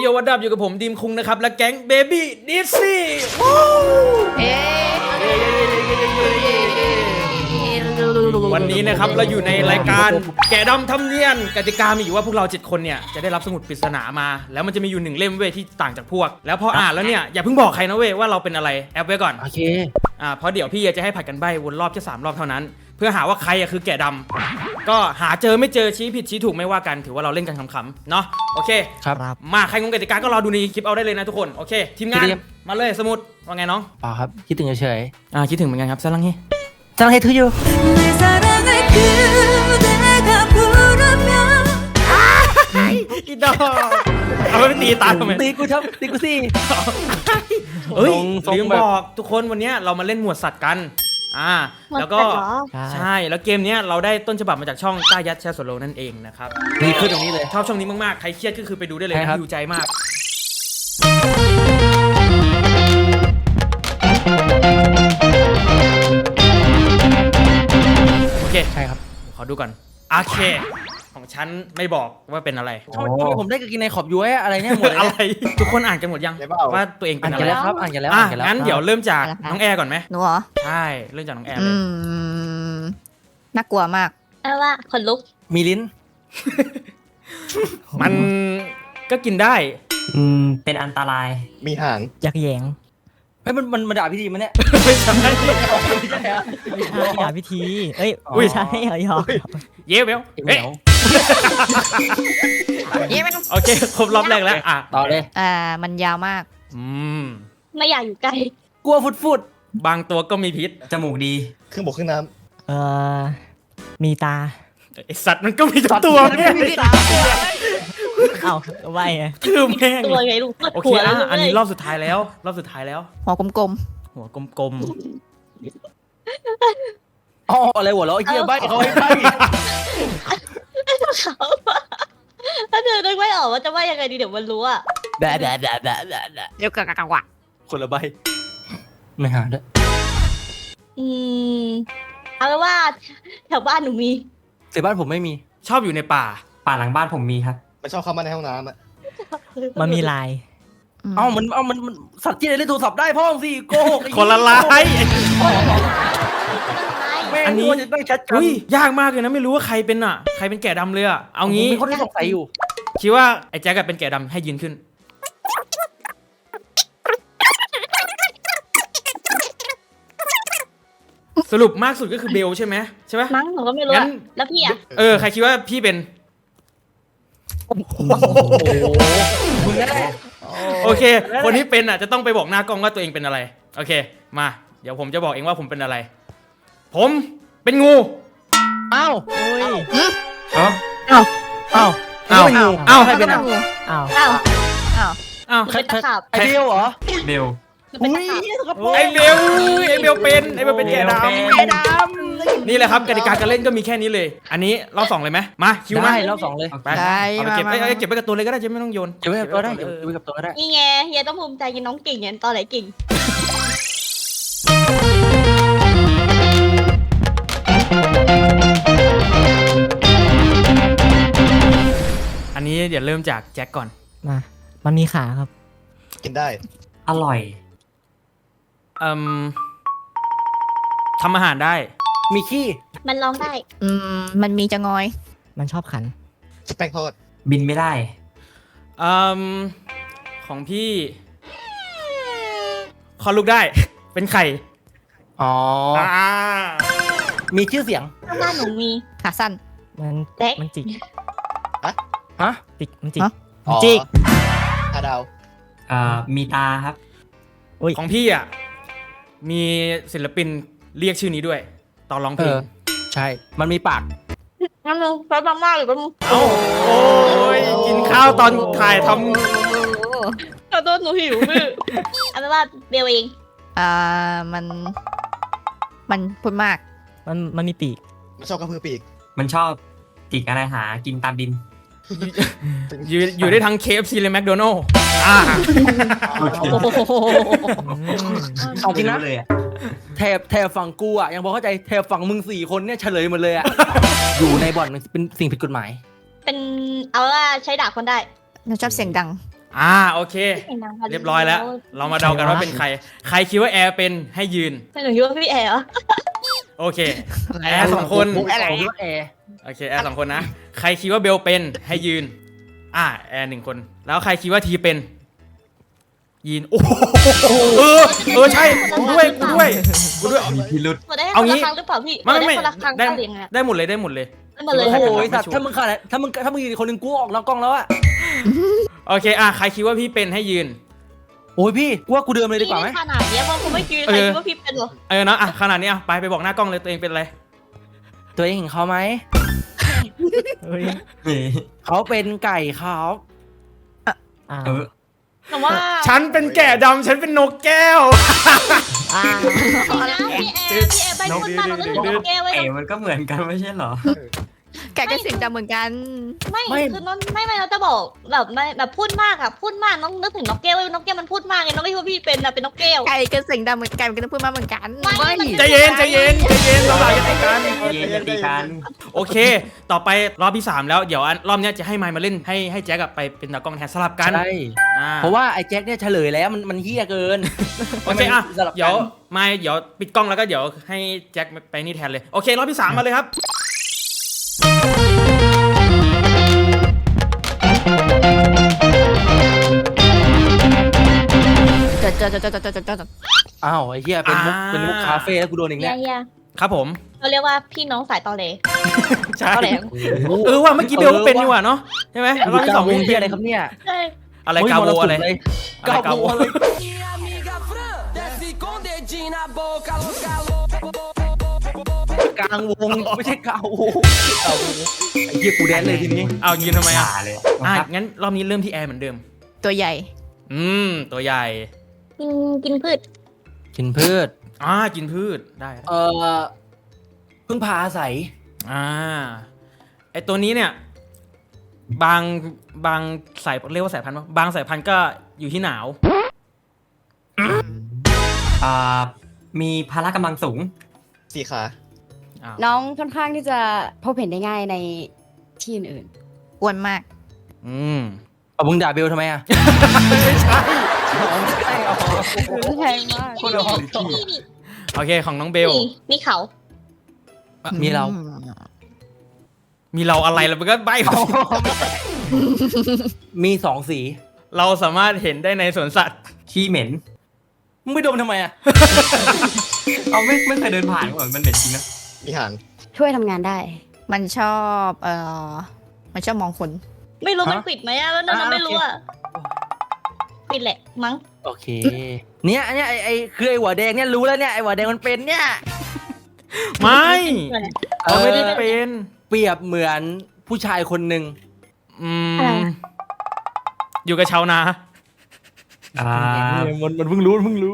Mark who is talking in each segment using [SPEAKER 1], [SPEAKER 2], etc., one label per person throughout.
[SPEAKER 1] โยวัดดับอยู่กับผมดีมคุงนะครับและแก๊งเบบี้ดิสซี่วันนี้นะครับเราอยู่ในรายการแกะดำทำเนียนกติกามีอยู่ว่าพวกเรา7คนเนี่ยจะได้รับสมุดปริศนามาแล้วมันจะมีอยู่1เล่มเว้ยที่ต่างจากพวกแล้วพออ่านแล้วเนี่ยอย่าเพิ่งบอกใครนะเว้ยว่าเราเป็นอะไรแอบไว้ก่อน
[SPEAKER 2] โอเค
[SPEAKER 1] เพราะเดี๋ยวพี่จะให้ผัดกันใบ้วนรอบแค่3 รอบเท่านั้นเพื่อหาว่าใครคือแกะดำก็หาเจอไม่เจอชี้ผิดชี้ถูกไม่ว่ากันถือว่าเราเล่นกันขำๆเนาะโอเค
[SPEAKER 2] ครับ
[SPEAKER 1] มาใครงงกติกาก็รอดูในคลิปเอาได้เลยนะทุกคนโอเคทีมงานมาเลยสมุดว่าไงน้อง
[SPEAKER 2] เปล่าครับคิดถึงเฉย
[SPEAKER 1] คิดถึงเหมือนกันครับซาลังเฮ
[SPEAKER 2] ๆจังให้ทุอยู่
[SPEAKER 1] อีดอกเอาไปตีตาทำไม
[SPEAKER 2] ตีกูชอบตีกูสิ
[SPEAKER 1] เฮ้ยลืมบอกทุกคนวันนี้เรามาเล่นหมวดสัตว์กันแล้วก็ใช่แล้วเกมนี้เราได้ต้นฉบับมาจากช่องต้ายัดแชร์โซโลนั่นเองนะครับ
[SPEAKER 2] นี่คือตรงนี้เลย
[SPEAKER 1] ชอบช่องนี้มากๆใครเครียดก็คือไปดูได้เลยนะอยู่ใจมากโอเค
[SPEAKER 2] ใช่ครับ
[SPEAKER 1] ขอดูก่อนโอเคของฉันไม่บอกว่าเป็นอะไร
[SPEAKER 2] ผมได้กินในขอบย้วยอะไรเนี่ยหมด
[SPEAKER 1] อะไรทุกคนอ่านกันหมดยังว่าตัวเองเป็นอะไร
[SPEAKER 2] ครับอ่านกันแล้ว
[SPEAKER 1] งั้นเดี๋ยวเริ่มจากน้องแอร์ก่อนไหม
[SPEAKER 3] หนูเหรอ
[SPEAKER 1] ใช่เริ่มจากน้องแอร์เลย
[SPEAKER 3] น่ากลัวมาก
[SPEAKER 4] ว่าขนลุก
[SPEAKER 2] มีลิ้น
[SPEAKER 1] มันก็กินได้
[SPEAKER 5] เป็นอันตราย
[SPEAKER 6] มีหาง
[SPEAKER 2] ยักแยงเฮ้ยมันด่าพิธีมันเนี่ย
[SPEAKER 1] ไม่ใช่
[SPEAKER 2] ด่าพิธีเอ้ยไม่ใช่เหรอ
[SPEAKER 1] เย้เบลโอเคครบรอบแรกแล้ว
[SPEAKER 2] ต่อเลย
[SPEAKER 3] มันยาวมาก
[SPEAKER 4] ไม่อยากอยู่ใกล้
[SPEAKER 2] กลัวฟุด
[SPEAKER 1] บางตัวก็มีพิษ
[SPEAKER 5] จมูกดี
[SPEAKER 6] เครื่องบกเครื่องน้
[SPEAKER 2] ำมีตา
[SPEAKER 1] ไอสัตว์มันก็มีตัวเนี่ย
[SPEAKER 2] ไว้ไง
[SPEAKER 1] คือแม่ง
[SPEAKER 4] ตัวไงลูก
[SPEAKER 1] โอเคอันนี้รอบสุดท้ายแล้ว
[SPEAKER 3] หัวกลม
[SPEAKER 2] อะไรหัวเราะไอ้เหี้ยใบ้เขาให้ใบ้
[SPEAKER 4] ถ้าเธอนึกไม่ออกว่าจะว่ายังไงดีเดี๋ยวมันรู้อะ
[SPEAKER 2] แบะเ
[SPEAKER 3] ดี๋ยวกะวะ
[SPEAKER 2] คนละใบไม่หาด้วย
[SPEAKER 4] เอาเป็นว่าแถวบ้านหนูมี
[SPEAKER 2] แต่บ้านผมไม่มี
[SPEAKER 1] ชอบอยู่ในป่า
[SPEAKER 5] หลังบ้านผมมีครับ
[SPEAKER 6] มันชอบเข้ามาในห้องน้ำอ่ะ
[SPEAKER 2] มันมีลายมันสัตว์ที่ไหนเล่นโทรศัพท์ได้พ่อสิโกหก
[SPEAKER 1] คนละลาย
[SPEAKER 2] อันนี้จะต้องชัดกัน
[SPEAKER 1] ยากมากเลยนะไม่รู้ว่าใครเป็นแกะดำเลยเอางี้
[SPEAKER 2] มีคนที่สงสัยอยู่
[SPEAKER 1] คิดว่าไอ้แจ็คเป็นแกะดำให้ยืนขึ้นสรุปมากสุดก็คือเบลใช่ไหม
[SPEAKER 4] มั้งหนูก็ไม่รู้แล้วพี่
[SPEAKER 1] ใครคิดว่าพี่เป็น
[SPEAKER 2] มึงได้
[SPEAKER 1] โอเคคนที่เป็นจะต้องไปบอกหน้ากล้องว่าตัวเองเป็นอะไรโอเคมาเดี๋ยวผมจะบอกเองว่าผมเป็นอะไรผมเป็นงู
[SPEAKER 2] อ้าว
[SPEAKER 1] ใครเป็น
[SPEAKER 4] ใครตะขาบ
[SPEAKER 2] ไอเบลเหรอ
[SPEAKER 5] เบล
[SPEAKER 1] ไอเบลเป็นแกะดำนี่แหละครับกติกาการเล่นก็มีแค่นี้เลยอันนี้รอบ2เลยไหมมาคิวมา
[SPEAKER 2] รอบ2เลย
[SPEAKER 1] ไปเอาไปเก็บไปกับตัวเลยก็ได้จะไม่ต้องโยน
[SPEAKER 2] เก็บไว้กับตัวได้เก็บไว้กับตัวได้
[SPEAKER 4] นี่ไงเฮียต้องภูมิใจกินน้องเก่งเนี่ยตอนไหนเก่ง
[SPEAKER 1] อันนี้เดี๋ยวเริ่มจากแจ็คก่อน
[SPEAKER 2] มันมีขาครับ
[SPEAKER 6] กินได้
[SPEAKER 5] อร่อย
[SPEAKER 1] ทำอาหารได้
[SPEAKER 2] มีขี้
[SPEAKER 4] มันร้องได้
[SPEAKER 3] มันมีจะงอย
[SPEAKER 2] มันชอบขัน
[SPEAKER 6] สเต็กทอด
[SPEAKER 5] บินไม่ได้
[SPEAKER 1] ของพี่คลอดลูกได้เป็นไข่
[SPEAKER 2] มีชื่อเสียง
[SPEAKER 4] ข้างบ้านหนูมี
[SPEAKER 3] ขาสั้น
[SPEAKER 2] มันจิกมันจิก
[SPEAKER 6] ดาว
[SPEAKER 5] มีตาครับ
[SPEAKER 1] ของพี่มีศิลปินเรียกชื่อนี้ด้วยตอนร้องเพลง
[SPEAKER 2] ใช่มันมีปาก
[SPEAKER 4] งั้นมึงไปมากๆหรือเป็น
[SPEAKER 1] โอ้ยกินข้าวตอนถ่ายทำ
[SPEAKER 4] ขอโทษหนูหิวมือเอาเป็นว่าเบลเอง
[SPEAKER 3] มันพูดมาก
[SPEAKER 2] มันมีปีก
[SPEAKER 6] มันชอบกระพือปีก
[SPEAKER 5] มันชอบจิกอะไรหากินตามดิน
[SPEAKER 1] อยู่ได้ทั้ง KFC และ McDonald's
[SPEAKER 2] จริงนะแถบฝั่งกูยังพอเข้าใจแถบฝั่งมึง4 คนเนี่ยเฉลยหมดเลยอยู่ในบ่อนเป็นสิ่งผิดกฎหมาย
[SPEAKER 4] เป็นเอาว่าใช้ด่าคนได้
[SPEAKER 3] เราชอบเสียงดัง
[SPEAKER 1] โอเค เรียบร้อยแล้ว เรามาเดากันว่าเป็นใคร ใครคิดว่าแอร์เป็นให้ยืน
[SPEAKER 4] หนูคิดว่าพี่แอร์เหรอ
[SPEAKER 1] โอเค แอร์สองคน
[SPEAKER 2] ผมคิดว่าแอร์
[SPEAKER 1] โอเค แอร์สองคนนะ ใครคิดว่าเบลเป็นให้ยืน แอร์1 คน แล้วใครคิดว่าทีเป็น ยืน โอ้โหใช่ กูด้วย
[SPEAKER 5] มีพิรุษ
[SPEAKER 4] หมดได้ให้
[SPEAKER 1] เอา
[SPEAKER 4] คน
[SPEAKER 1] งี้
[SPEAKER 4] ละครั้งหรือเปล่าพี่
[SPEAKER 1] ไม่
[SPEAKER 4] ได้คนละครั้ง
[SPEAKER 1] ได้
[SPEAKER 4] หรือยังไง
[SPEAKER 1] ได้หมดเลย
[SPEAKER 4] ได้หมดเลย
[SPEAKER 1] โอ้
[SPEAKER 2] โอ้
[SPEAKER 1] โห
[SPEAKER 2] โหสัตว์ถ้ามึงขาดถ้ามึงยืนอีกคนหนึ่งกูออกนอกกล้องแล้วอะ
[SPEAKER 1] โอเค ใครคิดว่าพี่เป็นให้ยืน
[SPEAKER 2] โอ้ยพี่กูว่ากูเดิมเลยดีกว่าไหม
[SPEAKER 4] ขนาดเนี้ยเพราะผมไม่ยืนใครคิดว่าพี่เป็นเหรอ
[SPEAKER 1] เนาะขนาดนี้ไปบอกหน้ากล้องเลยตัวเองเป็นอะไร
[SPEAKER 2] ตัวเองเห็นเขาไหม
[SPEAKER 5] นี่
[SPEAKER 2] เขาเป็นไก่ครับ
[SPEAKER 5] เออ
[SPEAKER 4] แต่ว่า
[SPEAKER 1] ฉันเป็นแกะดำฉันเป็นนกแก้ว
[SPEAKER 4] พี่แอร์ใบพูดมาเราก็ถึงนกแก้วไว้
[SPEAKER 5] มันก็เหมือนกันไม่ใช่เหรอ
[SPEAKER 3] แกก็เสียงดำเหมือนกัน
[SPEAKER 4] ไม่คือน้องไม่เราจะบอกแบบพูดมากน้องนึกถึงนกแก้วไว้นกแก้วมันพูดมากไงน้องไม่คิดว่าพี่เป็นเป็นนกแก้ว
[SPEAKER 3] ไก่ก็เสียงดำเหมือนกันก็ต้องพูดมาเหมือนกัน
[SPEAKER 1] ใจเย็นเราหลักกันกัน
[SPEAKER 5] เย็นดีกัน
[SPEAKER 1] โอเค ต่อไปรอบที่ 3 แล้ว เดี๋ยวรอบนี้จะให้ไมค์มาเล่นให้แจ็คไปเป็นตากล้องแทนสลับกัน
[SPEAKER 2] ใช่เพราะว่าไอ้แจ็คเนี่ยเฉลยแล้วมันเฮี้ยเกิน
[SPEAKER 1] โอเคเดี๋ยวไมค์เดี๋ยวปิดกล้องแล้วก็เดี๋ยวให้แจ็คไปนี่แทนเลย โอเครอบที่ 3 มาเลยครับ
[SPEAKER 3] จด
[SPEAKER 2] อ้าวไอ้เฮี้ยเป็นมุกคาเฟ่แล้วกูโดนอีก
[SPEAKER 4] เฮี
[SPEAKER 2] เนี่ย
[SPEAKER 4] ย
[SPEAKER 1] ครับผม
[SPEAKER 4] เราเรียกว่าพี่น้องสายตอเล
[SPEAKER 1] ใช่
[SPEAKER 4] ตอแหลม
[SPEAKER 1] ว่าเมื่อกี้เบลก็เป็นนี่หว่าเนาะใช่ไหมรอบที่ 2
[SPEAKER 2] วงเฮี้ยอะไรครับเนี่ย
[SPEAKER 4] ใช่
[SPEAKER 1] อะไรกาโวอะไร
[SPEAKER 2] กาโวอะไรกลางวงไม่ใช่กาวงไอ้เฮี้ยกูแดนเลยทีนี้
[SPEAKER 1] ยืนทำไม
[SPEAKER 5] เลย
[SPEAKER 1] งั้นรอบนี้เริ่มที่แอร์เหมือนเดิม
[SPEAKER 3] ตัวใหญ่
[SPEAKER 1] ตัวใหญ่
[SPEAKER 4] กินพืช
[SPEAKER 2] กินพืช
[SPEAKER 1] กินพืชได้
[SPEAKER 2] พึ่งพาอาศัย
[SPEAKER 1] ไอตัวนี้เนี่ยบางสายเรียกว่าสายพันธุ์บางสายพันธุ์ก็อยู่ที่หนาว
[SPEAKER 5] มีพละกำลังสูง
[SPEAKER 6] 4 ขา
[SPEAKER 7] น้องค่อนข้างที่จะพบเห็นได้ง่ายในที่อื่น
[SPEAKER 3] อ้วนมาก
[SPEAKER 2] เอามึงด่าเบลทำไมอ่ะ
[SPEAKER 1] ไม่ใช่
[SPEAKER 7] ๆแพงมาก
[SPEAKER 1] โอเคของน้องเบล
[SPEAKER 4] มีเขา
[SPEAKER 2] มีเรา
[SPEAKER 1] มีเราอะไรแล้วมันก็ใบ
[SPEAKER 2] มี2 สี
[SPEAKER 1] เราสามารถเห็นได้ในสวนสัตว์
[SPEAKER 5] ขี้เหม็น
[SPEAKER 2] มึงไปดมทำไมอ่ะ
[SPEAKER 5] เอาไม่เคยเดินผ่านเหมือนมันเหม็นจริงนะ
[SPEAKER 6] มีหาง
[SPEAKER 7] ช่วยทำงานได้
[SPEAKER 3] มันชอบมันชอบมองคน
[SPEAKER 4] ไม่รู้มันปิดไหมแล้วน้องไม่รู้ปิดแหละมั้ง
[SPEAKER 2] โอเค เนี่ยไอ้คือไอ้หัวแดงเนี่ยรู้แล้วเนี่ยไอ้หัวแดงมันเป็นเนี่ย
[SPEAKER 1] ไม่เราไม่ได้เป็น
[SPEAKER 2] เปรียบเหมือนผู้ชายคนหนึ่ง
[SPEAKER 1] อยู่กับชาวนา
[SPEAKER 2] มันเพิ่งรู้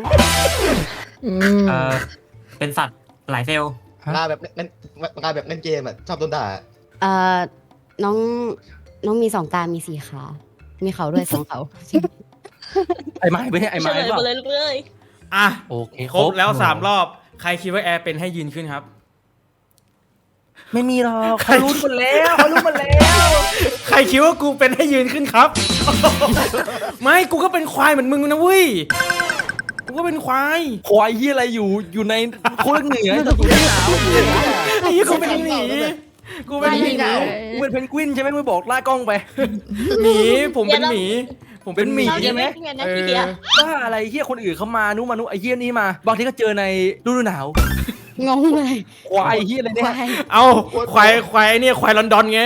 [SPEAKER 5] เป็นสัตว์หลายเซลล์
[SPEAKER 6] งานแบบเล่นเกมอ่ะ ชอบโดนด่า
[SPEAKER 7] น้องมี2 ตา มี4 ขา มีเขาด้วย2 เขา
[SPEAKER 2] ไอ้ไม้ไปเนี่ยไอ้
[SPEAKER 4] เฉ
[SPEAKER 2] ไม้
[SPEAKER 4] ลย
[SPEAKER 2] เป
[SPEAKER 4] หม
[SPEAKER 2] ล่า
[SPEAKER 4] ดเลยเลย
[SPEAKER 2] โอเค
[SPEAKER 1] ครบแล้ว3 รอบ ใครคิดว่าแอร์เป็นให้ยืนขึ้นครับ
[SPEAKER 2] ไม่มีหรอกเขารู้หมดแล้ว
[SPEAKER 1] ใครคิดว่ากูเป็นให้ยืนขึ้นครับ ไม่กูก็เป็นควายเหมือนมึงนะเว้ยกูก็เป็นควาย
[SPEAKER 2] ควายยี่อะไรอยู่ในโคตรเหนือแต่อยู่ที่หนาว
[SPEAKER 1] ไอ้ยี่กูเป็นหมีกูเป็นหมี
[SPEAKER 2] มึงเป็นเพนกวินใช่ไหมมึงบอกล่ากล้องไป
[SPEAKER 1] หมีผมเป็นหมี ผมเป็นหมี
[SPEAKER 4] เราจะไม่เรียนนะพี่เดีย
[SPEAKER 2] ว่าอะไรเฮียคนอื่นเขามานุมานุไอ้เฮียนี่มาบางทีก็เจอในฤดูหนาว
[SPEAKER 7] งงเลย
[SPEAKER 2] ควายเฮียอะไรเนี่ย
[SPEAKER 7] ควาย
[SPEAKER 1] เอาควายเนี่ยควายลอนดอนไง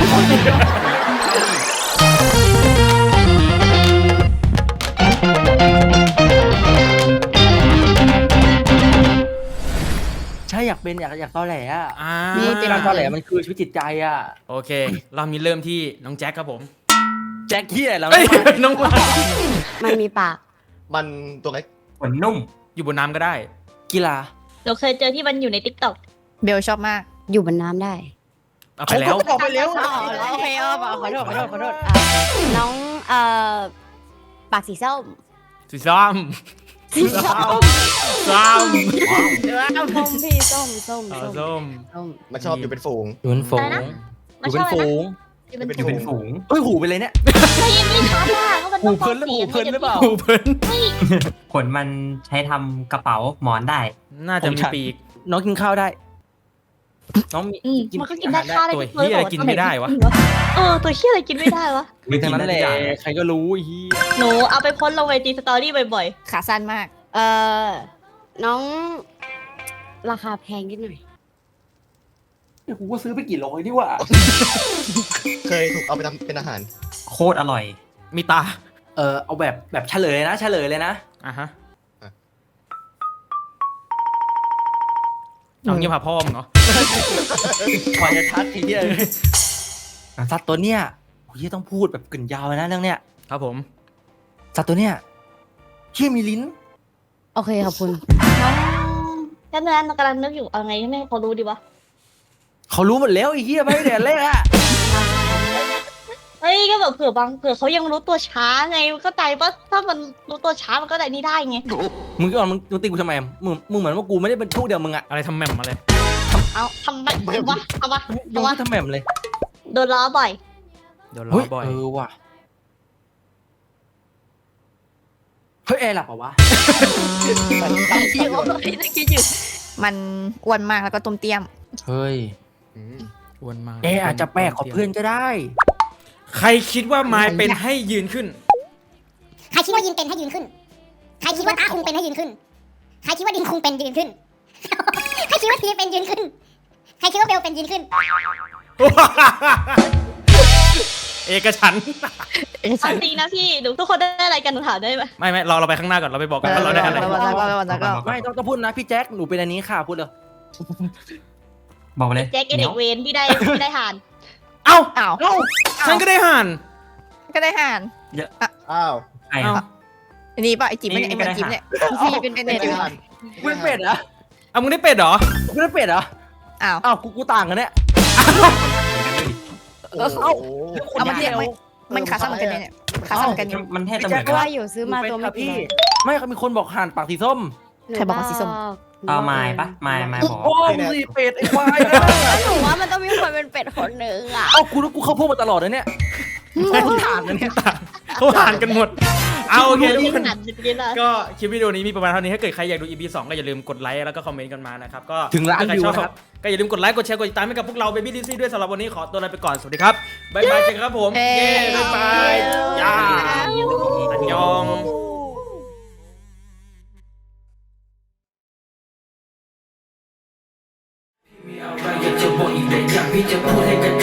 [SPEAKER 2] ใช่อยากเป็นอยากตอแหลอ่ะ
[SPEAKER 3] นี่
[SPEAKER 2] การตอแหลมันคือชีวิตจิตใจอ่ะ
[SPEAKER 1] โอเคเรามีเริ่มที่น้องแจ็คครับผม
[SPEAKER 2] แจ็คเฮียแล้ว
[SPEAKER 1] เอ้ยน้องวาน
[SPEAKER 7] มันมีปาก
[SPEAKER 6] มันตัวเล็ก
[SPEAKER 5] ขนนุ่ม
[SPEAKER 1] อยู่บนน้ำก็ได้
[SPEAKER 2] กีฬา
[SPEAKER 4] เราเคยเจอที่มันอยู่ในติ๊กต็อก
[SPEAKER 3] เบลชอบมาก
[SPEAKER 7] อยู่บนน้ำได้
[SPEAKER 1] เอาไปแล้ว
[SPEAKER 2] ออกไปแล้ว
[SPEAKER 7] โอเคขอโทษน้องปากสีส้ม
[SPEAKER 1] สีส้ม
[SPEAKER 7] สีส้ม
[SPEAKER 1] ส้ม
[SPEAKER 7] ส้มพี่ส้ม
[SPEAKER 1] ส้ม
[SPEAKER 7] ส้ม
[SPEAKER 6] มันชอบอยู่เป็นฝูง
[SPEAKER 2] อยู่เป็นฝูง
[SPEAKER 4] อะไรนะ
[SPEAKER 2] อยู่เป็นฝูง
[SPEAKER 4] เป็น
[SPEAKER 6] เป็น
[SPEAKER 5] อยู่เป็นฝูง
[SPEAKER 2] เฮ้ยหูไปเลยเนี่ย
[SPEAKER 4] ไม่ยินไม่ชัดอ่ะก็มัน
[SPEAKER 2] หู
[SPEAKER 4] ต้อง
[SPEAKER 2] เพลินหรือหูเพลินหรือเปล่า
[SPEAKER 1] หูเพิ่น
[SPEAKER 5] ขนมันใช้ทำกระเป๋าหมอนได้
[SPEAKER 1] น่าจะมีปีก
[SPEAKER 2] น้องกินข้าวได้ น้องมี
[SPEAKER 4] มันก็กินได้ข้าวได้
[SPEAKER 1] ตัวเหี้ยอะไรกินไม่ได้วะ
[SPEAKER 4] ตัวเหี้ยอะไรกินไม่ได้วะ
[SPEAKER 2] มีทั้งนั้นแหละใครก็รู้ไอ้เฮีย
[SPEAKER 4] หนูเอาไปโพ้นลงไอจีสตอรี่บ่อย
[SPEAKER 3] ขาสั้นมาก
[SPEAKER 7] น้องราคาแพงนิดหน่อย
[SPEAKER 2] กูก็ซื้อไปกี่ร้อยดีกว่า
[SPEAKER 6] เคยถูกเอาไปทำเป็นอาหาร
[SPEAKER 5] โคตรอร่อย
[SPEAKER 1] มีตา
[SPEAKER 2] เอาแบบเฉลยนะเฉลยเลยนะ
[SPEAKER 1] อ่ะฮะเอาเงียบหาพ่อมึงเหรอ
[SPEAKER 2] ขอจะทัดทีเดียวสัตว์ตัวเนี้ยโอ้ยต้องพูดแบบกึ่นยาวเลยนะเรื่องเนี้ย
[SPEAKER 1] ครับผม
[SPEAKER 2] สัตว์ตัวเนี้ยเขี้ยมีลิ้น
[SPEAKER 7] โอเคขอบคุณ
[SPEAKER 4] ๆน้องแค่นั้นกำลังนึกอยู่เอาไงให้แม่เขารู้ดีวะ
[SPEAKER 2] เขารู้หมดแล้วไอ้เฮียไม่ได้เดี๋ยวแรกอะ
[SPEAKER 4] เฮ้ยก็แบบเผื่อเขายังรู้ตัวช้าไงก็ใจปะถ้ามันรู้ตัวช้ามันก็ได้นี่ได้ไง
[SPEAKER 2] มึงก่อนมึงตีกูทำไมมึงเหมือนว่ากูไม่ได้เป็นพวกเดียวมึงอะ
[SPEAKER 1] อะไรทำแหม่มมาเลย
[SPEAKER 4] เอาทำไมวะเอาวะ
[SPEAKER 2] ยัง
[SPEAKER 4] เอาวะ
[SPEAKER 2] ไม่ทำแหม่มเลย
[SPEAKER 4] โดนล้อบ่อย
[SPEAKER 1] เดี๋ยวร
[SPEAKER 2] เฮ้
[SPEAKER 1] อย บ่อย
[SPEAKER 2] ว่ะเฮ้ยแอร์หลับเหรอวะ
[SPEAKER 3] มันอ้วนมากแล้วก็ตุ้มเตี้ยม
[SPEAKER 2] เฮ้ย
[SPEAKER 6] อืม
[SPEAKER 1] อ้วนมาก
[SPEAKER 2] แอร์อาจจะแปลกกว่าเพื่อนก็ได้
[SPEAKER 1] ใครคิดว่าไม้เป็นให้ยืนขึ้น
[SPEAKER 8] ใครคิดว่ายินเป็นให้ยืนขึ้น ใครคิดว่าตาคุงเป็นให้ยืนขึ้น ใครคิดว่าดินคุงเป็นยืนขึ้น ใครคิดว่าทีเป็นยืนขึ้น ใครคิดว่าเบลเป็นยืนขึ้น
[SPEAKER 1] เอกฉันท์
[SPEAKER 4] เอาจริงนะพี่หนูทุกคนได้อะไรกันหนูถามได้ไหม
[SPEAKER 1] ไม่เราไปข้างหน้าก่อนเราไปบอกกันว่าเราได้อะไร
[SPEAKER 3] แล้วก็
[SPEAKER 2] ไม่ต้องพูดนะพี่แจ็คหนูเป็นอันนี้ค่ะพูดเลย
[SPEAKER 5] บอกมาเลย
[SPEAKER 4] แจ็คเอเด็กเวนพี่ได้หาน
[SPEAKER 1] เอ้า
[SPEAKER 3] อ้าว
[SPEAKER 1] ฉันก็ได้ห่าน
[SPEAKER 3] ก็ได้ห่าน
[SPEAKER 6] อ้าว
[SPEAKER 5] ไอ้
[SPEAKER 1] เอ้า
[SPEAKER 3] อันนี้ป่ะไอจิ๊บเนี่ยไอเหมือนจิ๊บเนี่ยพี่เป็นเป็น
[SPEAKER 6] ไม่
[SPEAKER 3] เนี่ย
[SPEAKER 6] ได้อ่าน
[SPEAKER 2] กูเป็นเป็ดเหรอ
[SPEAKER 1] เอามึงได้เป็ดเหรอ
[SPEAKER 2] กูเป็นเป็ดเหรอ
[SPEAKER 3] อ้าว
[SPEAKER 2] อ้าวกูต่างกันเนี่ย
[SPEAKER 6] โอ้โห
[SPEAKER 3] เอามาเทียบมันขาสั้นเหมือนกันเนี่ยขาสั้นเหมือนกันอยู่
[SPEAKER 5] มันแทบจะเหมือน
[SPEAKER 7] ก็
[SPEAKER 5] กัน
[SPEAKER 7] ว่าอยู่ซื้อมาตัวไม่กี่
[SPEAKER 2] พี่
[SPEAKER 7] ร้อย
[SPEAKER 2] ไม่เขามีคนบอกห่านปากสีส้ม
[SPEAKER 3] ใครบอกว่าสีส้ม
[SPEAKER 5] เอาไม้ปะไม้บอก
[SPEAKER 2] โอ้มึงสีเป็ดไอ้ควาย
[SPEAKER 7] หนูว่ามันต้องมีคนเป็นเป็ดคนหนึ่งอ่ะ
[SPEAKER 2] เอ้ากูเข้าพวกมาตลอดเลยเนี่ยห่านนะเนี่ย
[SPEAKER 1] เขาห่านกันหมด เอาโอเคทุกคน
[SPEAKER 4] หานจริงๆนะ
[SPEAKER 1] ก็คลิปวิดีโอนี้มีประมาณเท่านี้ถ้าเกิดใครอยากดู EP 2 ก็อย่าลืมกดไลค์แล้วก็คอมเมนต์กันมานะครับก็
[SPEAKER 2] ถึงล้าน
[SPEAKER 1] ถ้ใคร
[SPEAKER 2] วิว
[SPEAKER 1] ชอบ
[SPEAKER 2] นะครับ
[SPEAKER 1] ก็อย่าลืมกดไลค์กดแชร์กดติดตามให้กับพวกเรา Baby DC ด้วยสำหรับวันนี้ขอตัวลาไปก่อนสวัสดีครับบ๊ายบายเจอกันครับผม
[SPEAKER 3] เฮ้
[SPEAKER 1] เย้บ๊ายบายย่าอันยอง
[SPEAKER 9] มีอะไรอยากจะบอกอีกแต่อยากพี่จะพูดให้กระ